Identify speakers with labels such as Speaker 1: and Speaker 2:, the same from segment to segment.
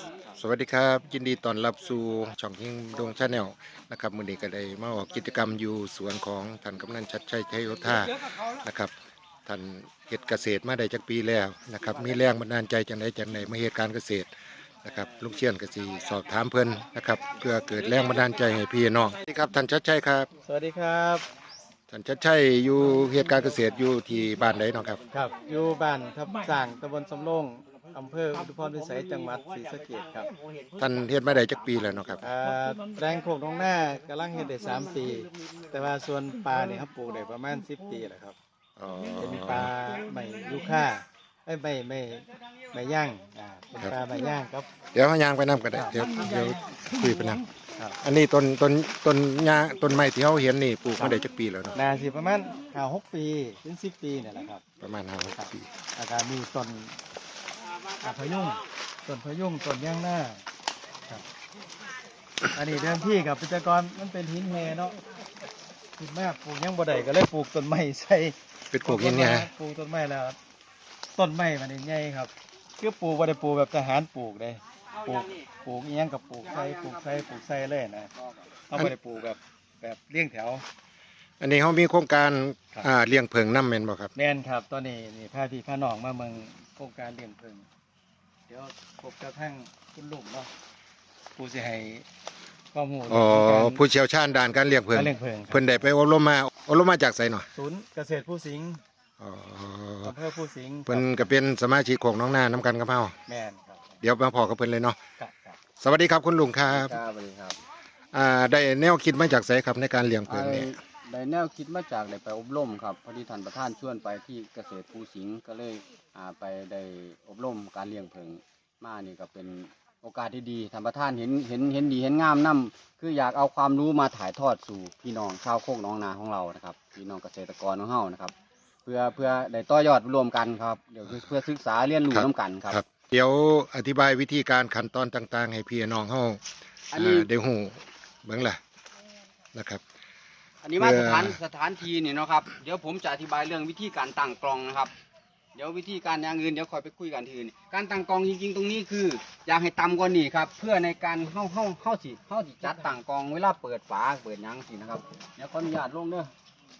Speaker 1: สวัสดีครับยินดีต้อนรับสู่ช่องยิงดงชาแนลนะครับมื้อนี้ก็ได้มาออกกิจกรรมอยู่สวนของท่านกำนันชัดชัยชัยโยธานะครับท่านเฮ็ดเกษตรมาได้จักปีแล้วนะครับมีแรงบันดาลใจจังไดมาเฮ็ดการเกษตรนะครับลูกเชียนก็สิสอบถามเพิ่นนะครับเพื่อเกิดแรงบันดาลใจให้พี่น้องสวัสดีครับท่านชัดชัยครับ
Speaker 2: สวัสดีครับ
Speaker 1: ท่านชัดชัยอยู่เฮ็ดการเกษตรอยู่ที่บ้านใดเนาะครับ
Speaker 2: ครับอยู่บ้านทับสร้างตำบลสำโรงอำเภออุทุพรพิสัยจังหวัดศรีสะเกษครับ
Speaker 1: ท่านเฮ็ดมาได้จักปีแล้วเนาะครับ
Speaker 2: แปลงโขกน้องหน้ากำลังเฮ็ดได้3 ปี แต่ว่าส่วนปลาเนี่ยครับปลูกได้ประมาณ10 ปีแล้วครับ
Speaker 1: อ๋อ
Speaker 2: เป็นปลาใหม่ยูค่าไม่ย่างเป็นปลาไม่ย่างครับ
Speaker 1: เดี๋ยวเฮายางไปนํก็ได้เดี๋ยวคุยไปนํ
Speaker 2: ครับ
Speaker 1: อันนี้ต้นหญ้าต้นไม้ที่เขาเห็นนี่ปลูกมาได้จักปีแล้วเนาะ
Speaker 2: นาสิประมาณ5-6 ปีถึง10 ปีเนี่ยแหละครับ
Speaker 1: ประมาณ5-6 ปี
Speaker 2: อาการมีต้นพะยุงต้นย่างหน้าครับอันนี้เดิมที่กับพิจกรมันเป็นหินแห่เนาะหินแม่ปลูกยังบ่ได้ก็เลยปลูกต้นไม้ใส่
Speaker 1: เป็นปลูกหินเนี่ย
Speaker 2: ปลูกต้นไม้แล้วต้นไม้มันใหญ่ครับคือปลูกบ่ได้ปลูกแบบทหารปลูกเลยปลูกอีหยังกับปลูกใส่เลยนะเขาบ่ได้ปลูกแบบเลี้ยงแถว
Speaker 1: อันนี้เขามีโครงการเลี้ยงเพิงน้ำแม่นบ่ครับ
Speaker 2: แม่นครับตอนนี้นี่พาพี่พาน้องมาเมืองโครงการเลี้ยงเพิงเดี๋ยวพบกระทั่งคุณลุงเนาะผู้สิให้ข้อมูล
Speaker 1: ผู้เชี่ยวชาญด้านการเลี้ยงเพิงเพิ่นได้ไปอบรมมาจากไสเนาะ
Speaker 2: ศูนย์เกษตรผู้สิงห์อำเภอผู้สิงห์
Speaker 1: เพิ่นก็เป็นสมาชิกของน้องนาน้ำกันกับเฮา
Speaker 2: แม่นครับ
Speaker 1: เดี๋ยวมาพอกับเพิ่นเลยเนาะ
Speaker 2: ครับ
Speaker 1: สวัสดีครับคุณลุงครับ
Speaker 3: สวัสดีครับ
Speaker 1: ได้แนวคิดมาจากไสครับในการเลี้ยงเพิงนี่
Speaker 3: ได้แนวคิดมาจากได้ไปอบรมครับพอดีท่านประธานชวนไปที่เกษตรภูสิงห์ก็เลยไปได้อบรมการเลี้ยงเพิงมานี่ก็เป็นโอกาสที่ดีท่านประธานเห็นดีเห็นงามนํคืออยากเอาความรู้มาถ่ายทอดสู่พี่น้องชาวโคกน้องนาของเรานะครับพี่น้องเกษตรกรของเฮานะครับเพื่อได้ต่อยอดรวมกันครับเดี๋ยวเพื่อศึกษาเรียนรู้ร่วมกันครับ
Speaker 1: เดี๋ยวอธิบายวิธีการขั้นตอนต่างๆให้พี่น้องเฮาได้ฮู้เบิ่งล่ะนะครับ
Speaker 3: อันนี้มาสถานที่นี่เนาะครับเดี๋ยวผมจะอธิบายเรื่องวิธีการตั้งกลองนะครับเดี๋ยววิธีการอย่างอื่นเดี๋ยวคอยไปคุยกันทีนึงการตั้งกลองจริงๆตรงนี้คืออยากให้ต่ำกว่านี้ครับเพื่อในการเข้าสิจัดตั้งกลองเวลาเปิดฝาเปิดยังสินะครับเดี๋ยวขออนุญาตลงเด้อ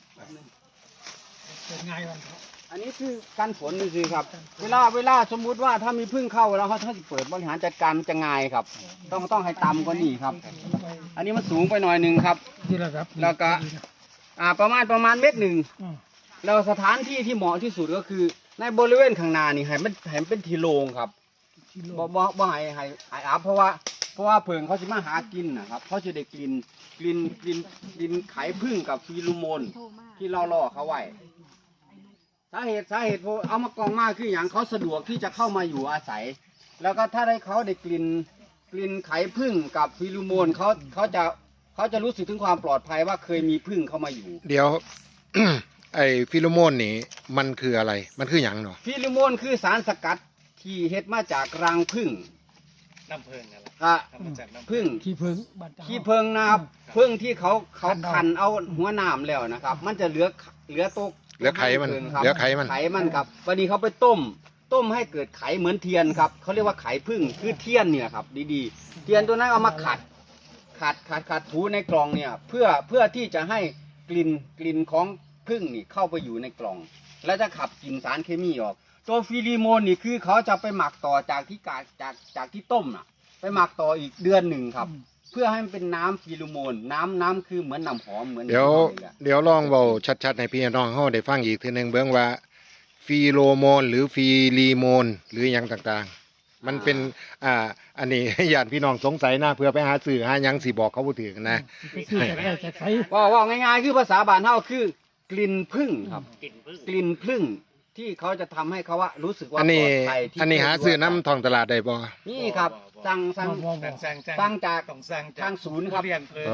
Speaker 3: เปิดง่ายวันอันนี้คือการฝนนี่คือครับเวลาสมมุติว่าถ้ามีพึ่งเข้าแล้วเขาเปิดบริหารจัดการมันจะง่ายครับต้องให้ต่ำกว่านี้ครับอันนี้มันสูงไปหน่อยนึงครับแล้วก็ประมาณ1 เมตรแล้วสถานที่ที่เหมาะที่สุดก็คือในบริเวณข้างหน้านี่ให้มันเป็นที่โล่งครับบ่ให้อับเพราะว่าเพิงเขาจะมาหากินนะครับเขาจะได้กลิ่นไข่ผึ้งกับฟีโรโมนที่เราล่อเขาไว้สาเหตุเอามากองมากคืออย่างเขาสะดวกที่จะเข้ามาอยู่อาศัยแล้วก็ถ้าเขาได้กลิ่นไข่ผึ้งกับฟีโรโมนเขาจะรู้สึกถึงความปลอดภัยว่าเคยมีผึ้งเข้ามาอยู่
Speaker 1: เดี๋ยว ไอ้ฟิโลโมนนี่มันคืออะไรมันคือหยังเนาะ
Speaker 3: ฟิโลโมนคือสารสกัดที่เฮ็ดมาจากรังผึ้ง
Speaker 2: น้ำผึ้งนั่นแหละ
Speaker 3: ผึ้ง
Speaker 2: ขี้ผึ้
Speaker 3: งนะครับผึ้งที่เขาคันเอาหัวน้ำแล้วนะครับมันจะเหลือ
Speaker 1: ไข่มันไข่
Speaker 3: มันครับวันนี้เขาไปต้มให้เกิดไข่เหมือนเทียนครับเขาเรียกว่าไข่ผึ้งคือเทียนเนี่ยครับดีๆเทียนตัวนั้นเอามาขัดถูในกล่องเนี่ยเพื่อที่จะให้กลิ่นของผึ้งนี่เข้าไปอยู่ในกล่องแล้วจะขับกลิ่นสารเคมีออกตัวฟีโรโมนนี่คือเขาจะไปหมักต่อจากที่ต้มไปหมักต่ออีกเดือนหนึ่งครับเพื่อให้มันเป็นน้ำฟีโรโมนน้ำคือเหมือนน้ำหอมเหมือน
Speaker 1: เดี๋ยวลองเบาชัดๆให้พี่น้องเฮาได้ฟังอีกทีนึงเบิ่งว่าฟีโรโมนหรือฟีรีโมนหรือหยังต่างๆมันเป็นอันนี้ญาติพี่น้องสงสัยนะเพื่อไปหาสื่อหาหยังสิบอกเขาบ่ถึงนะ
Speaker 3: ว่าง่ายๆคือภาษาบ้านเฮาคือกลิ่นผึ้งครับกลิ่นผึ้งที่เขาจะทำให้เขาว่ารู้สึกว่า
Speaker 1: อันนี้หาซื้อน้ำทองตลาดได้บ่
Speaker 3: นี่ครับสั่งจากทางศูนย์ครับ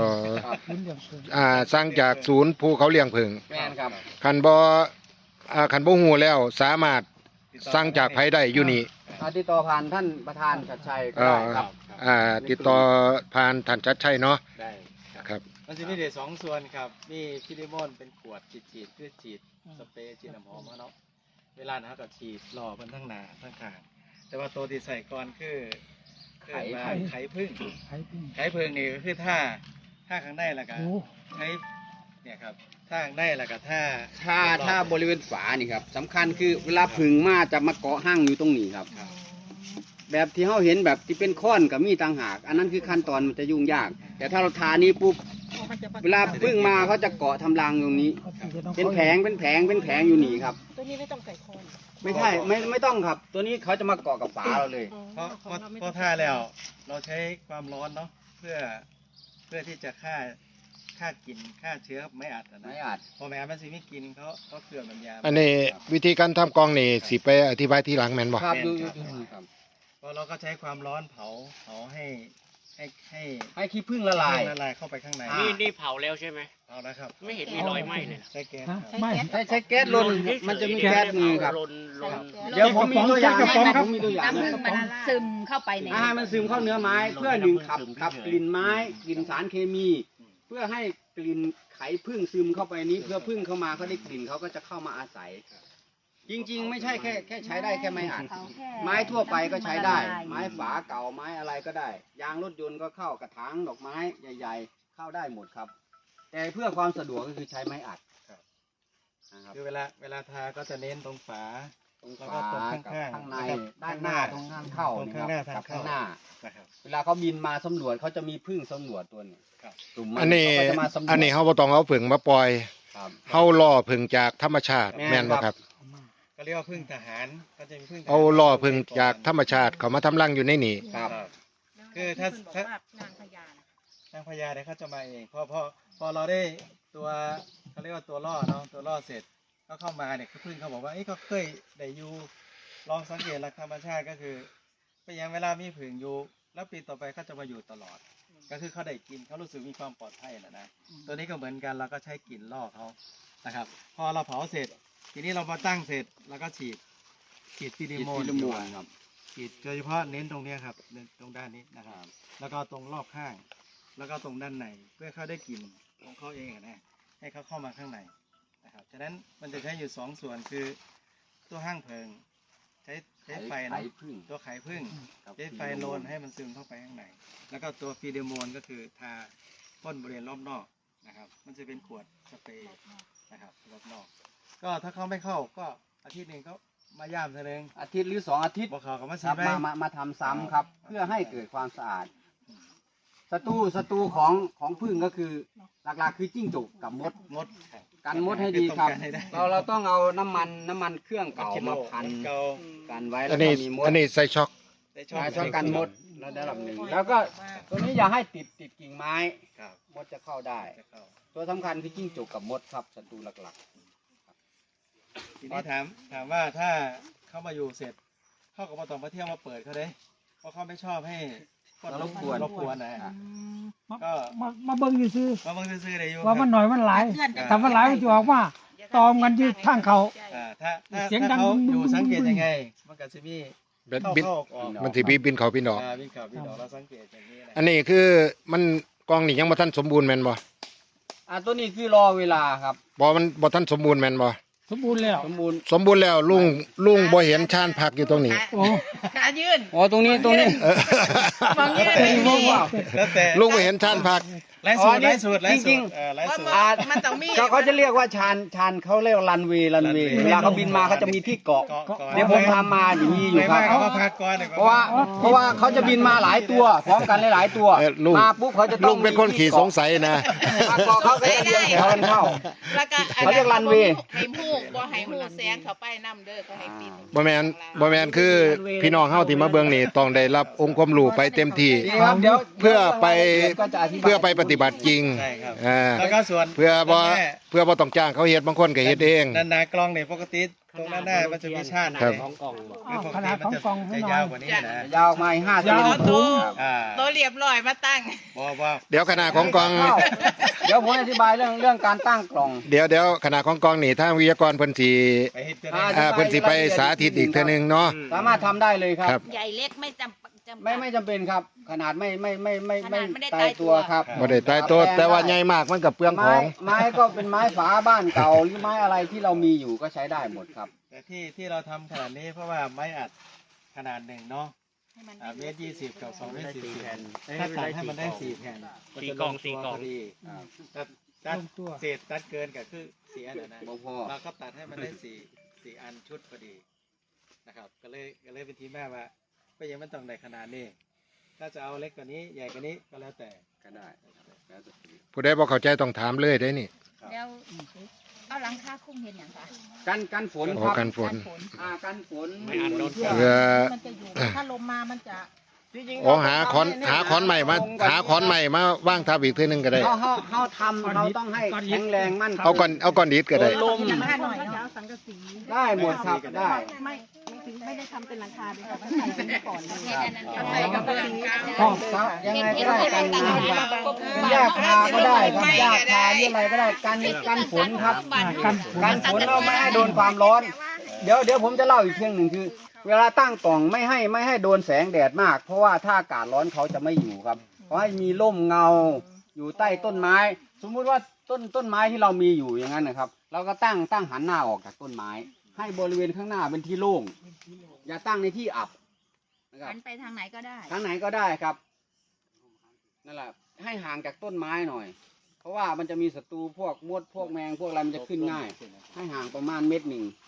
Speaker 1: สั่งจากศูนย์ภูเขาเลี้ยงผึ้ง
Speaker 3: แม่นครับ
Speaker 1: คันบ่ฮู้แล้วสามารถสั่งจากไผได้อยู่นี่
Speaker 3: ติดต่อผ่านท่านประธานชัดชัยก็ได้ครับ
Speaker 1: ติดต่อผ่านท่านชัดชัยเนาะ
Speaker 2: ได้
Speaker 1: ครับ
Speaker 2: มันจะมีเด็ด2 ส่วนครับมีฟิลิโมนเป็นขวดฉีดคือฉีดสเปรย์ฉีดน้ำหอมเนาะเวลานะครับก็ฉีดรอมันทั้งหน้าทั้งข้างแต่ว่าตัวที่ใส่ก่อนคือ
Speaker 3: ไข่
Speaker 2: ไข่พึ่ง
Speaker 4: ไข่พึ่ง
Speaker 2: ไข่พึ่งนี่ก็คือถ้าข้างในแล้วก็
Speaker 4: โอ้
Speaker 2: ใช้เนี่ยครับถ้าข้างในแล้วก็ถ้า
Speaker 3: ถ้าบริเวณฝานี่ครับสำคัญคือเวลาผึ่งมาจะมาเกาะห้างอยู่ตรงนี้ครับ แบบที่เราเห็นแบบที่เป็นค้อนกับมีดต่างหาก อันนั้นคือขั้นตอนมันจะยุ่งยาก แต่ถ้าเราทานี้ปุ๊บเวลาพึ่งมาเขาจะเกาะทำรังตรงนี้ เป็นแผงอยู่นี่ครับ
Speaker 5: ตัวนี้ไม่ต้องใส่โคน
Speaker 3: ไม่ใช่ไม่ต้องครับ ตัวนี้เขาจะมาเกาะกับฝาเราเลย
Speaker 2: เพราะถ้าแล้วเราใช้ความร้อนเนาะเพื่อที่จะฆ่ากลิ่นฆ่าเชื้อไม่อัดนะ
Speaker 3: ไม่อาจ
Speaker 2: พอแม้มันสิไม่กินเขาเกลือมันยา
Speaker 1: อันนี้วิธีการทำกองนี่สิไปอธิบายทีหลังแม่นบ่
Speaker 3: ครับดูครับ
Speaker 2: พอเราก็ใช้ความร้อนเผาให้
Speaker 3: ให้ขี้ผึ้งละลาย
Speaker 2: ละลายเข้าไปข้างใน
Speaker 3: อ่า
Speaker 6: นี่เผาแล้วใช่ไหม
Speaker 2: เอาแล้วครับ
Speaker 6: ไม่เห็นมีรอยไหม้เลยนะ
Speaker 2: ใช้แก๊ส
Speaker 4: ฮะ
Speaker 2: ครับ
Speaker 4: ไม่
Speaker 3: ใช้แก๊สลนมันจะมีแก๊สมือครับ
Speaker 6: ลน
Speaker 3: เดี๋ยวผมมีตัวอย่าง
Speaker 4: กระป๋องครับ
Speaker 3: ผมมีตัวอย่าง
Speaker 5: น้ำผึ้งมันซึมเข้าไปใน
Speaker 3: ให้มันซึมเข้าเนื้อไม้เพื่อหนึ่งขับกลิ่นไม้กลิ่นสารเคมี เพื่อให้กลิ่นไข่ผึ้งซึมเข้าไปนี้เพื่อผึ้งเข้ามาเขาได้กลิ่นเขาก็จะเข้ามาอาศัย จริงๆ ไม่ใช่แค่ใช้ได้แค่ไม้อัดไม้ทั่วไปก็ใช้ได้ ไม้ฝาเก่าไม้อะไรก็ได้ ยางรถยนต์ก็เข้ากระถางดอกไม้ใหญ่ๆ เข้าได้หมดครับ แต่เพื่อความสะดวกก็คือใช้ไม้อัดนะครับ
Speaker 2: คือเวลาทาก็จะเน้นตรงฝา
Speaker 3: ตรง
Speaker 2: แล้ว
Speaker 3: ฝา
Speaker 2: ก็ตรง
Speaker 3: กับ
Speaker 2: ข้างๆ
Speaker 3: ข้างใน
Speaker 2: แล้วก็
Speaker 3: ด้านหน้าตรงข้างเข้า
Speaker 2: ตรง
Speaker 3: นี่
Speaker 2: ข้าง
Speaker 3: ค
Speaker 2: หน้า
Speaker 3: รับ
Speaker 2: ทาง
Speaker 3: กับ
Speaker 2: เข้า
Speaker 3: ข้างหน้า
Speaker 2: นะครับ
Speaker 3: เวลาเขาบินมาสำรวจเขาจะมีพึ่งสำรวจตัวนี้
Speaker 2: ครับ
Speaker 3: กลุ่ม
Speaker 1: อันนี้
Speaker 3: เขาก็จะมาสำรวจ
Speaker 1: อันนี้เฮาบ่ต้องเอาผึ่งมาปล่อย
Speaker 3: ครับ
Speaker 1: เฮาล่อผึ่งจากธรรมชาติ
Speaker 3: แม่น
Speaker 1: แม่นบ่ครับ
Speaker 2: ก็เรียกว่าพึ่งทหารก็จะมีพึ่งทหาร
Speaker 1: เอาล่อผึ่งจากธรรมชาติเขามาทำรังอยู่ในนี่
Speaker 3: ครับ
Speaker 2: คือถ้า
Speaker 5: บอกว่านางพญานะ
Speaker 2: นางพญาเนี่ยเขาจะมาเองพอเราได้ตัวเขาเรียกว่าตัวล่อเนาะตัวล่อเสร็จก็เข้ามาเนี่ยพึ่งเขาบอกว่าก็เคยได้อยู่ลองสังเกตหลักธรรมชาติก็คือพยายามเวลามีผึ่งอยู่แล้วปีต่อไปเขาจะมาอยู่ตลอด ก็คือเขาได้กินเขารู้สึกมีความปลอดภัยนะตัวนี้ก็เหมือนกันเราก็ใช้กลิ่นล่อเขานะครับ พอเราเผาเสร็จ ทีนี้เรามาตั้งเสร็จแล้วก็ฉีดฟิลิโมน
Speaker 3: ฟิลิโมนครับ
Speaker 2: ฉีดโดยเฉพาะเน้นตรงเนี้ยครับเน้นตรงด้านนี้นะครับ แล้วก็ตรงรอบข้าง แล้วก็ตรงด้านในเพื่อเขาได้กลิ่นของเขาเองอะนะให้เขาเข้ามาข้างในนะครับฉะนั้นมันจะใช้อยู่สองส่วนคือตัวห้างเพลิงใช้ไฟ
Speaker 3: ไข่
Speaker 2: เนาะ
Speaker 3: ผึ้ง
Speaker 2: ตัวไข่พึ่ง
Speaker 3: ครับ
Speaker 2: ใช้ไฟโลนให้มันซึมเข้าไปข้างในแล้วก็ตัวฟีเดโมนก็คือทาพ่นบริเวณรอบนอกนะครับ มันจะเป็นขวดสเปรย์นะครับรอบนอก ก็ถ้าเขาไม่เข้าก็อาทิตย์หนึ่งเขามาย่ามเท่านึง
Speaker 3: อาทิตย์หรือ2 อาทิตย์
Speaker 2: บอกเขาก็มา
Speaker 3: ค
Speaker 2: สี
Speaker 3: รับ
Speaker 2: ไป
Speaker 3: มาทำซ้ำครับ เพื่อให้เกิดความสะอาดศัตรูของผึ้งก็คือหลักๆคือจิ้งจกกับมด
Speaker 2: มด
Speaker 3: กันมดให้ดีครับ
Speaker 2: ให้ได้
Speaker 3: เราต้องเอาน้ำมันเครื่องเก่ามาพัน
Speaker 2: เก่า
Speaker 3: กันไว้
Speaker 1: อั
Speaker 3: แล้ว
Speaker 1: น
Speaker 3: ก็
Speaker 1: นี้
Speaker 3: มีมด
Speaker 1: อันนี้ใส่ช็อก
Speaker 2: ได้
Speaker 3: ใช้ช่องกันมดระดับหนึ่งแล้วก็ตัวนี้อย่าให้ติดกิ่งไม้
Speaker 2: ครับ
Speaker 3: มดจะเข้าได้
Speaker 2: จะเข้า
Speaker 3: ตัวสำคัญคือจิ้งจกกับมดครับศัตรูหลัก
Speaker 2: ทีนี้ถามว่าถ้าเข้ามาอยู่เสร็จ เขาก็มาต้องมาเที่ยวมาเปิดเขาเด้เพราะเขาไม่ชอบให้คนรบกวนนะ
Speaker 4: มา
Speaker 2: ก็
Speaker 4: มาเบิ่งอยู่ซื้อ
Speaker 2: มาบังซื้อๆได้อยู่
Speaker 4: ว่ามันหน่อยมันหลายถ้ามันหลายมันจะออกมาตอมกันที่ทางเขา
Speaker 2: ถ้า
Speaker 4: เสียงดัง
Speaker 2: เขาอยู่
Speaker 4: บึ้งๆ
Speaker 2: สังเกตยังไง มันก็จะมี
Speaker 1: บิน
Speaker 2: เข้า
Speaker 1: บิน
Speaker 2: เข้าออก
Speaker 1: มันสิบินเขาบินออก
Speaker 2: มีข่าวมีดอกเราสังเกตอย่างนี้นะ
Speaker 1: อันนี้คือมันกองนี่ยังบ่ทันสมบูรณ์แม่นบ่
Speaker 3: ๆตัวนี้คือรอเวลาครับ
Speaker 1: บ่มันบ่ทันสมบูรณ์แม่นบ่
Speaker 4: สมบูรณ์แล้ว
Speaker 3: สมบูรณ์
Speaker 1: สมบูรณ์แล้วลุงบ่เห็นชานพักอยู่ตรงนี้
Speaker 4: โอ้
Speaker 5: ขายื่น
Speaker 3: อ๋อตรงนี้
Speaker 5: มองยื่นไม่มี
Speaker 2: แล้วแต่
Speaker 1: ลุงบ่เห็นชานพัก
Speaker 2: ไล่สูตร
Speaker 3: อ๋อนี่
Speaker 2: ไล่สูตรไล่
Speaker 3: จ
Speaker 2: สู
Speaker 3: ริ
Speaker 2: ต
Speaker 3: ง
Speaker 2: ร
Speaker 3: ๆ
Speaker 2: ไล่สูตร
Speaker 5: มันต้องมี
Speaker 3: เขาจะเรียกว่าชานเขาเรียกว่ารันเวย์
Speaker 2: runway
Speaker 3: เวลาเขาบินมาเขาจะมีที่เกาะ เดี๋ยวผมทำมาอย่างนี้อยู่
Speaker 2: ไม่
Speaker 3: ครั
Speaker 2: ว่า
Speaker 3: บ
Speaker 2: เขามาพักก่อนเลย
Speaker 3: เพราะว่าเขาจะบินมาหลายตัวพร้อมกันหลายๆตัว
Speaker 1: ลุง
Speaker 3: มาปุ๊บเขาจะต้
Speaker 1: ลุ
Speaker 3: อง
Speaker 1: งเป็นคนขี่สงสัยนะ
Speaker 3: มาเกาะเขาก็จะเรียงแถวกันเข้า
Speaker 5: แล้วก็
Speaker 3: เขาเรียกรันเวย์
Speaker 5: ให้หูบ่ให้หูแสงเข้าไปน้ำเด้อเขาให้ปิด
Speaker 1: บ่แม่นคือพี่น้องเฮาที่มาเบิ่งนี่ต้องได้รับองค์ความรู้ไปเต็มที่
Speaker 3: ดีครับเดี๋ยว
Speaker 1: เพื่อไป
Speaker 3: ก็จะอธิบาย
Speaker 1: เพื่อไปปฏิบัติจริง
Speaker 2: ใช่ครับ
Speaker 1: อ่า
Speaker 2: แล้วก็ส่วน
Speaker 1: เพื่อบ่
Speaker 2: ด้านหน้า
Speaker 1: เพื่อบ่ต้องจ้างเขาเฮ็ดบางคนก็เฮ็ดเอง
Speaker 2: ด้านหน้ากล้องเนี่ยปกติตรงด้านหน้ามันจะมีชาติ
Speaker 1: ครับ
Speaker 6: ของกล่องบอก
Speaker 2: คือปก
Speaker 4: ข
Speaker 2: ติ
Speaker 4: นาด
Speaker 2: มั
Speaker 4: ขอน ง
Speaker 2: จะ
Speaker 4: กล่องให้
Speaker 2: จะ
Speaker 4: หน่อย
Speaker 2: ยาวกว่านี้นะ
Speaker 3: ยาวมา5 เซน
Speaker 4: ยาว
Speaker 3: ค
Speaker 4: ถุง
Speaker 3: รับ
Speaker 5: ตัวเรียบร้อยมาตั้ง
Speaker 2: บ่
Speaker 1: เดี๋ยวขณะของกอง
Speaker 3: เดี๋ยวผมอธิบายเรื่องการตั้งกล่อง
Speaker 1: เดี๋ยวขณะของกองนี่ทางวิทยากรเพิ่นสิ
Speaker 2: ไปเฮ็ดกัน
Speaker 1: เพิ่นสิไปสาธิตอีกเทื่อนึงเนาะ
Speaker 3: สามารถทำได้เลยครับ
Speaker 1: ครับ
Speaker 5: ใหญ่เล็กไม่จำ
Speaker 3: ไม่จำเป็นครับ ขนาดไม่
Speaker 5: ขนาดไม่ได้
Speaker 3: ตายตัวครับ
Speaker 1: บ่ได้ตายตัวแต่ว่าใหญ่มากมันก็เปลืองของ
Speaker 3: ไม้ก็เป็นไม้ฝาบ้านเก่าหรือไม้อะไรที่เรามีอยู่ก็ใช้ได้หมดครับ
Speaker 2: แต่ที่เราทำขนาดนี้เพราะว่าไม้อัดขนาดหนึ่งเนาะเมตร20กับ2 เมตร 40ถ้าตัดให้มันได้4 แผ่น
Speaker 6: สี่กล่องสี่กล่อง
Speaker 2: พอดีตัดเศษตัดเกินก็คือ4 อันนะ
Speaker 3: บ่พอ
Speaker 2: เราก็ตัดให้มันได้4 อันชุดพอดีนะครับก็เลยเป็นที่แม่ว่าก็ยังไม่ต้องในขนาดนี้ถ้าจะเอาเล็กกว่านี้ใหญ่กว่านี้ก็แล้วแต่
Speaker 3: ก็ได้แล้วแต่สี
Speaker 1: ผู้ใดบ่เข้าใจต้องถามเลยได้นี่
Speaker 5: แล้วเอาหลังคาคุ้มเห็นอย่างคะ
Speaker 3: กันฝน
Speaker 1: โอ้
Speaker 3: ครับ
Speaker 1: กันฝน
Speaker 3: กันฝน
Speaker 6: ไม่อันโดน
Speaker 3: เพื่อ
Speaker 1: เพื่อ
Speaker 5: มันจะอยู่ถ้าลมมามันจะ
Speaker 3: จริงๆ
Speaker 1: อ๋อหาขอนใหม่มาว่างทับอีกทีนึงก็ได้
Speaker 3: เขาทำเราต้องให้แข็งแรงมั่นคง
Speaker 1: เอาก้อนดิดก็ได้
Speaker 3: ลม
Speaker 5: หลังคาหน่อย
Speaker 7: เขาจะ
Speaker 5: เนาะ
Speaker 7: เอาสังกะสี
Speaker 3: ได้หมดครับได้
Speaker 7: ไม่ถึงไม่ได้ทำเป็นหลังคาเลยค่ะมันใส่เป็นก่อนเลย
Speaker 5: เห็นอันนั้นก็ใส่กระเบื้องกลาง
Speaker 3: ครับยังไงก็ได้กันน้ำครับหญ้าคาก็ได้ครับหญ้าคานี่อะไรก็ได้กันฝนครับกันฝนเราไม่ให้โดนความร้อน เดี๋ยวผมจะเล่าอีกเรื่องหนึ่งคือ เวลาตั้งกล่องไม่ให้โดนแสงแดดมาก เพราะว่าถ้าอากาศร้อนเขาจะไม่อยู่ครับขอให้มีร่มเงาอยู่ใต้ต้นไม้ สมมุติว่าต้นไม้ที่เรามีอยู่อย่างนั้นนะครับ เราก็ตั้งหันหน้าออกจากต้นไม้ ให้บริเวณข้างหน้าเป็นที่โล่งอย่าตั้งในที่อับนะครับ
Speaker 5: หันไปทางไหนก็ได้
Speaker 3: ทางไหนก็ได้ครับนั่นแหละให้ห่างจากต้นไม้หน่อย เพราะว่ามันจะมีศัตรูพวกมดพวกแมงพวกอะไรมันจะขึ้นง่าย ให้ห่างประมาณ1 เมตร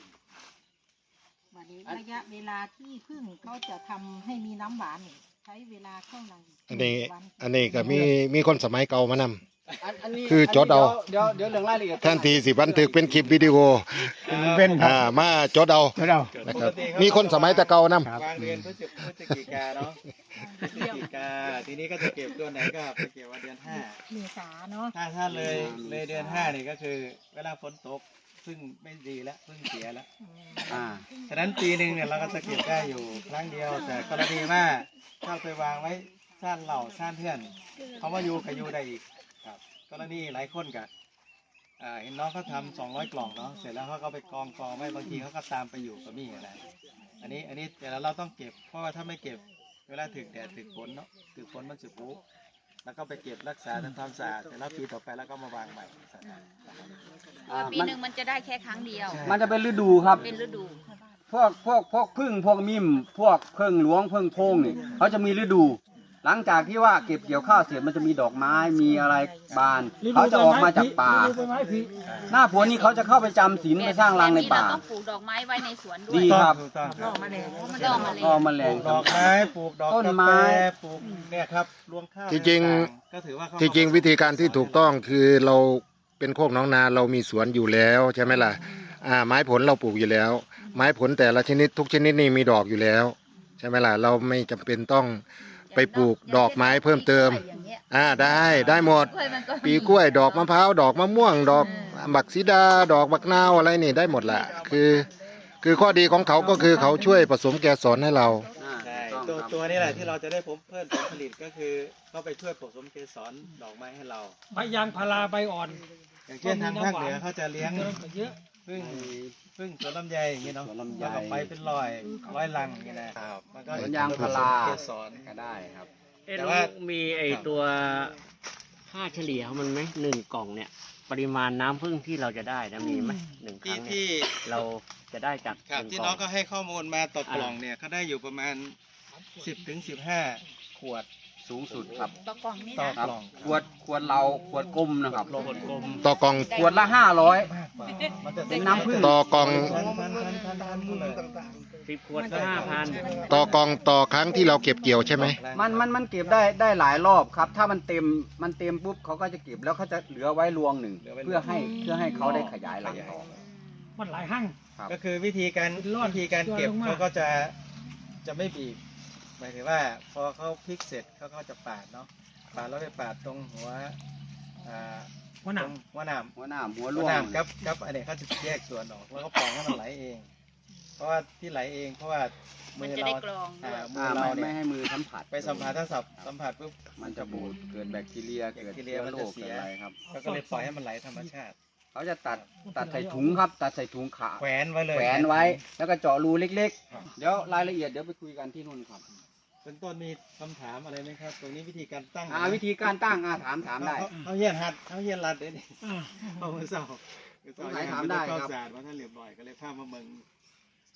Speaker 7: วันนี้ระยะเวลาที่พึ่งเขาจะทำให้มีน้ำหวานนี่ใช้เวลาเท่าไหร่
Speaker 1: อันนี้ก็มีคนสมัยเก่ามานำ
Speaker 3: อันนี้
Speaker 1: คือจดเอา
Speaker 3: เดี๋ยวเรื่องรายละเอียด
Speaker 1: ท่านทีสิบันทึกเป็นคลิปวิดีโอ
Speaker 4: เป็นครับ
Speaker 1: มาจดเอา
Speaker 4: เรา
Speaker 1: นะครับมีคนสมัยแต่เก่านำ
Speaker 2: วางเดือนพฤศจิกาเนาะพฤศจิกาทีนี้ก็จะเก็บตัวไหนก็ไปเก็บว่าเดือน 5
Speaker 7: เมษาเนาะ
Speaker 2: ถ้าเลยเดือน 5นี่ก็คือเวลาฝนตกพึ่งไม่ดีแล้วพึ่งเสียแล้ว ฉะนั้นปีหนึ่งเนี่ยเราก็จะเก็บได้อยู่ครั้งเดียว แต่กรณีว่าถ้าไปวางไว้ซ่านเหล่าซ่านเพื่อนเขาว่าอยู่กับอยู่ได้อีกครับกรณีหลายคนกับเห็นน้องเขาทำ200 กล่องเนาะเสร็จแล้วเขาก็ไปกองไว้บางทีเขาก็ตามไปอยู่กับมี่อะไรอันนี้แต่เราต้องเก็บเพราะว่าถ้าไม่เก็บเวลาถึกแดดถึกฝนเนาะถึกฝนมันจะปุแล้วก็ไปเก็บรักษาทำความสะอาดเสร็จแล้วปีต่อไปแล้วก็มาวางใหม่
Speaker 5: ปีหนึ่งมันจะได้แค่ครั้งเดียว
Speaker 3: มันจะเป็นฤดูครับ
Speaker 5: เป็นฤดู
Speaker 3: พวกพึ่งพวกมิมพวกเพิ่งหลวงเพิ่งโพงนี่เขาจะมีฤดู หลังจากที่ว่าเก็บเกี่ยวข้าวเสร็จมันจะมีดอกไม้มีอะไรบานเขาจะออกมาจากป่า หน้าฝนนี่เขาจะเข้าไปจำศีลไปสร้างรังในป่า
Speaker 5: เราต้องปลูกดอกไม้ไว้ในสวนด้วย
Speaker 3: ดีครับ
Speaker 2: ถูกต้องครับ
Speaker 5: ล่อแมลง
Speaker 3: ก็แมลง
Speaker 2: ปลูกดอกไม้ปลูกดอก
Speaker 3: ต้น
Speaker 2: กา
Speaker 3: ไม้
Speaker 2: แฟปลูกเนี่ยครับรวงข้าว
Speaker 1: ที่จริง
Speaker 2: ก็ถือว่าเข้า
Speaker 1: ที่จริงวิธีการที่ถูกต้องคือเราเป็นโคกหนองนาเรามีสวนอยู่แล้วใช่ไหมล่ะไม้ผลเราปลูกอยู่แล้ว ไม้ผลแต่ละชนิดทุกชนิดนี่มีดอกอยู่แล้วใช่ไหมล่ะเราไม่จำเป็นต้องไปปลูกดอกไม้เพิ่มเติมได้หมด ปีกล้วยดอกมะพร้าวดอกมะม่วงดอกบักซีดาดอกบักนาวอะไรนี่ได้หมดแหละคือข้อดีของเขาก็คือเขาช่วยผสมแกสรให้เรา
Speaker 2: ใช่ตัวนี้แหละที่เราจะได้เพิ่มผลผลิตก็คือเขาไปช่วยผสมเกสรดอกไม้ให้เรา
Speaker 4: ใบยางพาราใบอ่อน
Speaker 2: อย่างเช่นทางภาคเหนือเขาจะเลี้ยง
Speaker 4: เยอะ
Speaker 2: พึ่งสวนลำไยอย่างนี้เนาะ
Speaker 3: สวนลำไย
Speaker 2: แล้วก็ไปเป็นร้อยลังอย่างนี้นะครับมันก็
Speaker 3: สวนยางพารา
Speaker 2: เกสร
Speaker 3: ก็ได้ครับ
Speaker 6: แต่ว่ามีไอตัวค่าเฉลี่ยของมันไหม1 กล่องเนี่ย ปริมาณน้ำผึ้งที่เราจะได้นะมีไหม1 ครั้งเนี่ย
Speaker 2: ที่
Speaker 6: เราจะได้จาก
Speaker 2: ครับ
Speaker 6: 1
Speaker 2: ที่
Speaker 6: กล่
Speaker 2: น้
Speaker 6: อ
Speaker 2: อง งก็ให้ข้อมูลมาต่อกล่องเนี่ยเขาได้อยู่ประมาณ10 ถึง 15 ขวด
Speaker 3: สูงสุดครับ
Speaker 5: ต่อกล่องนี่
Speaker 2: ต่อ
Speaker 5: นะ
Speaker 2: กล่อง
Speaker 3: ขวดเราขวดกลมนะครับ
Speaker 2: ขวดกลม
Speaker 1: ต่อกล่อง
Speaker 3: ขวดละ
Speaker 2: มันจะ
Speaker 3: เป็นน้ำผึ้ง
Speaker 1: ต่อกล่อง
Speaker 2: พันเลย
Speaker 6: 10 ขวดก็ 5,000
Speaker 1: ต่อกล่องต่อครั้งที่เราเก็บเกี่ยวใช่ไหม
Speaker 3: มันเก็บได้หลายรอบครับ ถ้ามันเต็มปุ๊บเขาก็จะเก็บแล้วเขาจะเหลือไว้รวงหนึ่งเพื่อให้เขาได้ขยายรังต่อ
Speaker 4: มันหลายห้าง
Speaker 3: ครับ
Speaker 2: ก็คือวิธีการเก็บเขาก็จะไม่บีบหมายถึงว่าพอเขาพลิกเสร็จเขาก็จะปาดเนาะปาดแล้วไปปาดตรงหัว
Speaker 4: หัวหนาม
Speaker 2: หัวหนาม
Speaker 3: หัวหน้าหัว
Speaker 2: หั
Speaker 3: ร่
Speaker 2: ว
Speaker 3: ว
Speaker 2: หนาง มกับอันนี้เขาจะแยกส่วนออกแล้วก็ปล่อยให้มันไหลเอง เพราะว่าที่ไหลเองเพราะว่ามื
Speaker 5: มัน
Speaker 2: อ
Speaker 5: จะ
Speaker 2: เรา
Speaker 5: ได้กรองด้วย
Speaker 2: มือเรา
Speaker 3: ไม่
Speaker 2: เนี่ย
Speaker 3: ให้มือสัมผัส
Speaker 2: ไปสัมผัสถ้าสัมผัสปุ๊บ
Speaker 3: มันจะบูดเกิดแบคทีเรียเกิดเชื้อโรคเกิดอะไรครับ
Speaker 2: เขาก็เลยปล่อยให้มันไหลธรรมชาติ
Speaker 3: เขาจะตัดใส่ถุงครับ ตัดใส่ถุงขา
Speaker 2: แขวนไว้เลย
Speaker 3: แขวนไว้ แล้วก็เจาะรูเล็กๆ เดี๋ยวรายละเอียดเดี๋ยวไปคุยกันที่นู่นครับ
Speaker 2: เป็นต้นมีคำถามอะไรไหมครับ ตรงนี้วิธีการตั้ง
Speaker 3: วิธีการตั้งถามได้
Speaker 2: เขาเฮียนหัดเขาเฮียนรัดเลยนี่เอามือเศร้า
Speaker 3: สงสัยถามได้ครับ
Speaker 2: เข้าศาสตร์ว่าท่านเรียบร้อยก็เลยข้ามมาเมืองช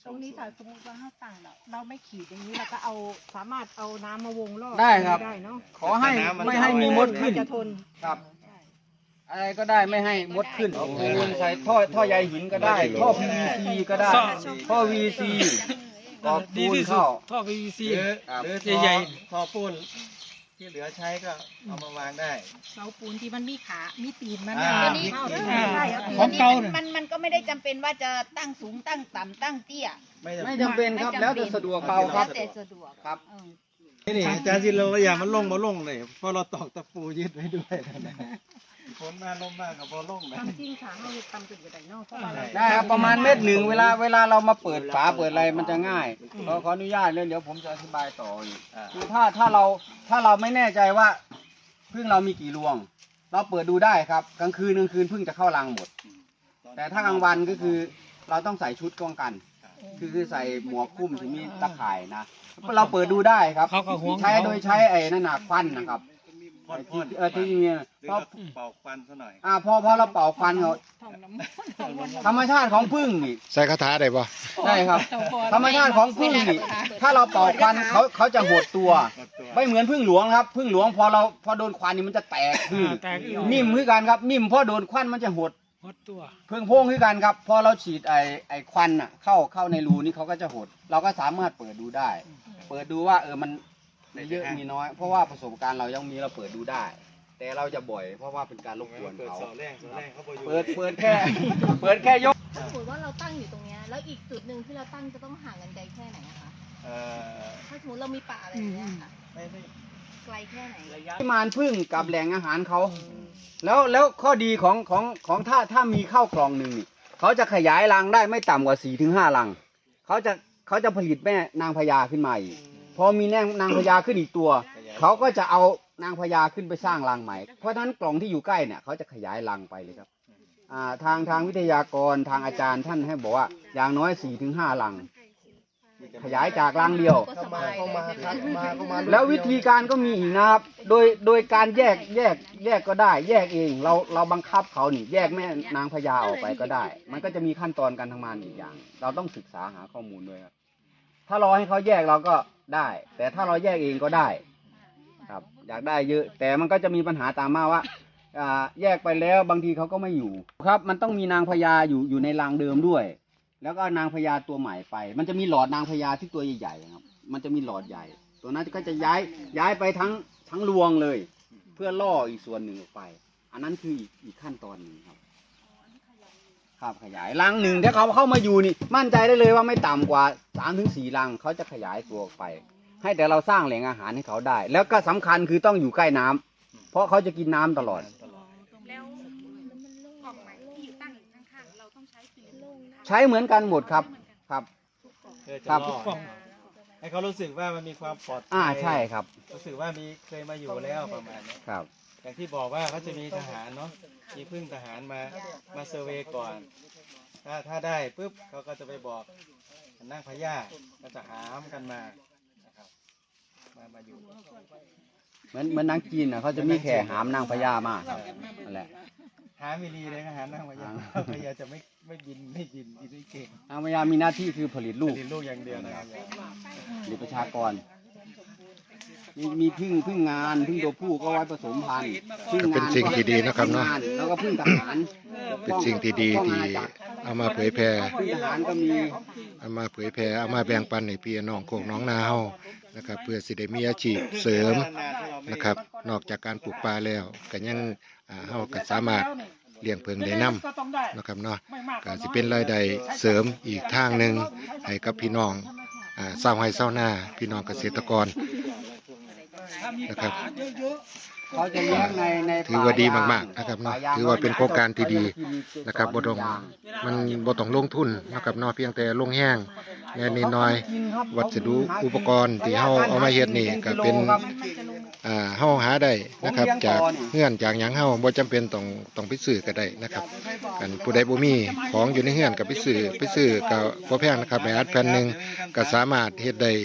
Speaker 7: ตรงนี้ถ้าสมมติว่าเราตั้งเราไม่ขีดอย่างนี้เราก็เอาสามารถเอาน้ำมาวงรอบ
Speaker 3: ได้ครับ
Speaker 7: ได้เนาะ
Speaker 3: ขอให้ไม่ให้มีมดขึ้น
Speaker 7: จะทน
Speaker 3: ครับ อะไรก็ได้ไม่ให้มดขึ้นใส่ท่อใยหินก็ได้ ท่อ PVC ก็ได้ ท่อ VC กรอบปูนเข้า
Speaker 4: ท่อ PVC
Speaker 2: หรือใหญ่ๆพอปูนที่เหลือใช้ก็เอามาวางได้
Speaker 7: เสาปูนที่มันมีขามีตีนมัน
Speaker 2: อ่า
Speaker 7: อันนี้เข้าได้ใช่ครับ
Speaker 4: ของเก่าเนี่ย
Speaker 5: มันก็ไม่ได้จำเป็นว่าจะตั้งสูงตั้งต่ำตั้งเตี้ย
Speaker 3: ไม่จำเป็นครับ แล้วแต่สะดวกเขาครับ
Speaker 5: แล้วแต่สะดวก
Speaker 3: ครับ
Speaker 2: นี่อาจารย์สิเราอย่ามันลงบ่ลงเลยเพราะเราตอกตะปูยึดไว้ด้วยฝนมาลมมากับบ่ลงเลย
Speaker 7: ทำจริงค่ะเราทำจุดใดเนาะเพราะว่าเรา
Speaker 3: ได้ครับประมาณ1 เมตรเวลาเรามาเปิดฝาเปิดอะไรมันจะง่ายขออนุญาตเลยเดี๋ยวผมจะอธิบายต่ออีกคือถ้าเราไม่แน่ใจว่าพึ่งเรามีกี่รวง เราเปิดดูได้ครับกลางคืนพึ่งจะเข้ารังหมด แต่ถ้ากลางวันก็คือเราต้องใส่ชุดป้องกัน คือใส่หมวกคลุมถึงมีตะข่ายนะเราเปิดดูได้ครับ
Speaker 4: เขาก็ห่วง
Speaker 3: ใช้โดยใช้ไอ้นั่นหนักควันนะครับที่นี่พอ
Speaker 2: เป่าควันซะหน่อย
Speaker 3: พอเราเป่าควันเขา
Speaker 7: ท่องน้ำ
Speaker 3: ธรรมชาติของผึ้งนี่
Speaker 1: ใส่คาถาได้บ่
Speaker 3: ใช่ครับ ธรรมชาติของผึ้งนี่ถ้าเราเป่าควันเขาจะหดตัว ไม่เหมือนผึ้งหลวงครับผึ้งหลวงพอโดนควันนี่มันจะแตกคือ
Speaker 4: แตกอีก
Speaker 3: นิ่มคือกันครับนิ่มพอโดนควันมันจะหด
Speaker 4: หดตัว
Speaker 3: เพิ่งโพงคือกันครับพอเราฉีดไอ้ควันอ่ะเข้าในรูนี่เขาก็จะหด เราก็สามารถเปิดดูได้ เปิดดูว่ามันมีเยอะมีน้อย เพราะว่าประสบการณ์เรายังมีเราเปิดดูได้ แต่เราจะบ่อยเพราะว่าเป็นการรบกวน
Speaker 2: เปิด
Speaker 3: เขา
Speaker 2: เสาแรงเขาบ่อยู่
Speaker 3: เปิดแค่ เปิดแค่ยก
Speaker 8: ถ้าสมมติว่าเราตั้งอยู่ตรงเนี้ยแล้วอีกจุดหนึ่งที่เราตั้งจะต้องห่างกันไกลแค่ไหนอะคะ ถ้าสมมติเรามีป่าอะไรอย่างเงี้ยค่ะ
Speaker 2: ไม่
Speaker 8: ไกลแค่ไหน
Speaker 3: ปริมาณผึ้งกับแหล่งอาหารเขา แล้วข้อดีของถ้ามีข้าวกล่องหนึ่งนี่เขาจะขยายรังได้ไม่ต่ำกว่า 4-5 รัง เขาจะผลิตแม่นางพญาขึ้นมาอีก พอมีนางพญาขึ้นอีกตัว เขาก็จะเอานางพญาขึ้นไปสร้างรังใหม่ เพราะฉะนั้นกล่องที่อยู่ใกล้เนี่ยเขาจะขยายรังไปเลยครับ ทางวิทยากรทางอาจารย์ท่านให้บอกว่าอย่างน้อย 4-5 รัง ขยายจากรังเดียว
Speaker 8: ก็สบายเลยใช่ไหม
Speaker 3: แล้ววิธีการก็มีอีกนะครับ โดยการแยกก็ได้ แยกเองเราบังคับเขานี่แยกแม่นางพญาออกไปก็ได้ มันก็จะมีขั้นตอนการทำงานอีกอย่าง เราต้องศึกษาหาข้อมูลด้วยครับ ถ้ารอให้เขาแยกเราก็ได้ แต่ถ้าเราแยกเองก็ได้ ครับ อยากได้เยอะ แต่มันก็จะมีปัญหาตามมาว่าแยกไปแล้วบางทีเขาก็ไม่อยู่ครับ มันต้องมีนางพญาอยู่ในรังเดิมด้วย แล้วก็นางพญาตัวใหม่ไป มันจะมีหลอดนางพญาที่ตัวใหญ่ๆครับ มันจะมีหลอดใหญ่ ตัวนั้นก็จะย้ายไปทั้งรวงเลย เพื่อล่ออีกส่วนหนึ่งออกไป อันนั้นคืออีกขั้นตอนหนึ่งครับ ครับขยายรังหนึ่งถ้าเขาเข้ามาอยู่นี่มั่นใจได้เลยว่าไม่ต่ำกว่า 3-4 รังเขาจะขยายตัวออกไป ให้แต่เราสร้างแหล่งอาหารให้เขาได้ แล้วก็สำคัญคือต้องอยู่ใกล้น้ำเพราะเขาจะกินน้ำตลอด
Speaker 7: แล้วกล่องไหนที่อยู่ตั้งอยู่ข้างๆเราต้องใช้กี่โล่ง
Speaker 3: ใช้เหมือนกันหมดครับ ครับ ครับ
Speaker 2: ให้เขารู้สึกว่ามันมีความปลอดภัย
Speaker 3: ใช่ครับ
Speaker 2: รู้สึกว่าเคยมาอยู่แล้วประมาณนี้
Speaker 3: ครับ
Speaker 2: อย่างที่บอกว่าเขาจะมีทหารเนาะมีพึ่งทหารมาเซอร์เวย์ก่อน ถ้าได้ปุ๊บเขาก็จะไปบอกนั่งพญาก็จะหามกันมานะครับมาอยู่
Speaker 3: เหมือนนางจีนเขาจะมีแข่หามนางพญามากนั่นแหละ
Speaker 2: หามิลีเลยนะหารนั่งพญาพญาจะไม่บินไม่เก่ง
Speaker 3: นางพญามีหน้าที่คือผลิตลูก
Speaker 2: เรียนลูกอย่างเดียวนะครับ
Speaker 3: ผลิตประชากร มีพึ่งงานพึ่งตัวผู้ก็ไว้ผสมพันธุ์พึ่ง
Speaker 1: ก็เป็น
Speaker 3: งาน
Speaker 1: สิ่งที่ดีนะครับเนาะ
Speaker 3: แล้วก็พึ่งทหาร
Speaker 1: เป็นสิ่งที่ดีที่เอามาเผยแพร่
Speaker 3: พึ่งทหารก็มี
Speaker 1: เอามาเผยแพร่เอามาแบ่งปันให้พี่น้องโคกน้องนาเฮานะครับเพื่อสิได้มีอาชีพเสริมนะครับ นอกจากการปลูกปลาแล้วก็ยังเฮาก็สามารถเลี้ยงเพิงได้นํนะครับเนาะก็สิเป็นรายได้เสริมอีกทางหนึงให้กับพี่น้องชาวไร่ชาวนาพี่น้องเกษตรกรนะครับ
Speaker 3: เขาจะเลี้ยงใน
Speaker 1: ถือว่าดีมากๆนะครับเนาะถือว่าเป็นโครงการที่ดีนะครับบ่ต้องมันบ่ต้องลงทุนนะครับเนาะเพียงแต่ลงแห้งแน่นิดหน่อยวัสดุอุปกรณ์ที่เฮาเอามาเฮ็ดนี่ก็เป็นเฮาหาได้นะครับจากเฮือนจากหยังเฮาบ่จำเป็นต้องไปซื้อก็ได้นะครับกันผู้ใดบ่มีของอยู่ในเฮือนก็ไปซื้อก็บ่แพงนะครับในอัดแผ่นหนึงก็สามารถเฮ็ดได้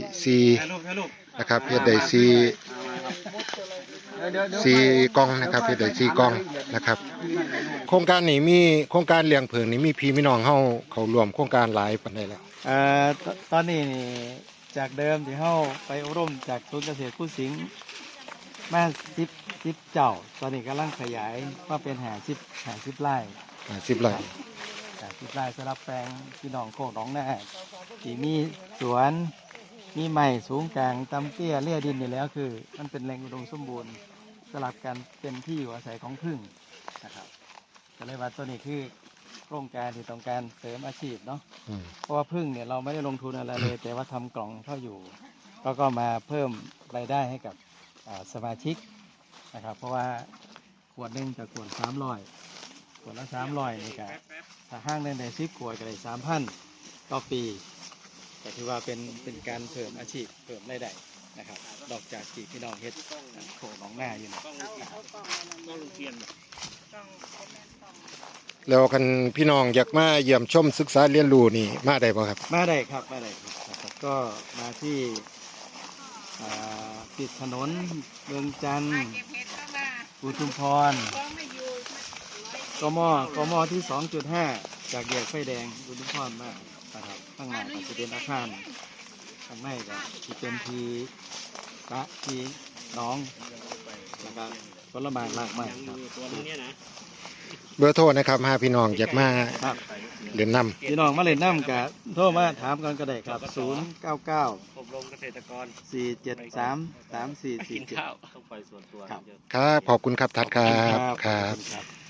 Speaker 1: 4นะครับเฮ็ดได้4กล่องนะครับเฮ็ดได้4กล่องนะครับโครงการนี้มีโครงการเลี้ยงเพิงนี่มีพี่น้องเฮาเข้าร่วมโครงการหลายปานใดแล้ว
Speaker 2: ตอนนี้นี่จากเดิมที่เข้าไปอบรมจากศูนย์เกษตรคู่สิงห์มา10เจ้า ตอนนี้กำลังขยายมาเป็น50ไร่
Speaker 1: 10 ไร่
Speaker 2: 50ไร่สำหรับแปลงพี่น้องโคกหนองนาที่มีสวนมีไม้สูงกลางตำเตี้ยเลี่ยดินนี่แล้วคือ มันเป็นแหล่งอุดมสมบูรณ์สลับกันเป็นที่อยู่อาศัยของผึ้งนะครับก็เลยว่าตัวนี้คือโครงการที่ต้องการเสริมอาชีพเนาะ
Speaker 1: อืม
Speaker 2: เพราะว่าพึ่งเนี่ยเราไม่ได้ลงทุนอะไรเลย แต่ว่าทำกล่องเข้าอยู่ก็มาเพิ่มรายได้ให้กับสมาชิกนะครับ เพราะว่าขวดหนึงจากขวด300ขวดละ300นี่ก็ถ้าห้างหนึงได้10ขวดก็ได้3,000ต่อปีก็ถือว่าเป็นการเพิ่มอาชีพเพิ่มรายได้นะครับนอกจากที่พี่น้องเฮ็ดโขกหนองนาอยู่นะ
Speaker 6: ก็ลุงเทียน
Speaker 1: แล้วคันพี่น้องอยากมาเยี่ยมชมศึกษาเรียนรู้นี่มาได้บ่ครับ
Speaker 2: มาได้ครับนะครับก็มาที่ติดถนนเมืองจันทร์
Speaker 5: เก็บเห็ดเข้ามา
Speaker 2: อุทุมพร
Speaker 5: ก็ไม่อยู่
Speaker 2: กมที่ 2.5 จากแยกไฟแดงอุทุมพรมากนะครับข้างหน้าก็จะเป็นอาคารข้างในก็จะเป็นทีกะทีน้องแล้วก็ผลไม้มากมายครับ
Speaker 6: ตัวนึงเนี่ยนะ
Speaker 1: เบอร์โทรนะครับหาพี่น้องอยากมา
Speaker 2: ครับ
Speaker 1: เรียนนำ
Speaker 2: พี่น้องมาเล่นน้ำกับโทรมาถามกันก็ได้ครับ 099
Speaker 6: อบรมเกษตรกร
Speaker 2: 473
Speaker 6: กิน
Speaker 2: 3447
Speaker 6: ข้าวต้องไปส่วนตัว
Speaker 2: ครับ
Speaker 1: ครับขอบคุณครับทัดครับ
Speaker 2: ข
Speaker 1: ค
Speaker 2: อ
Speaker 1: รั
Speaker 2: บบ คุณครับ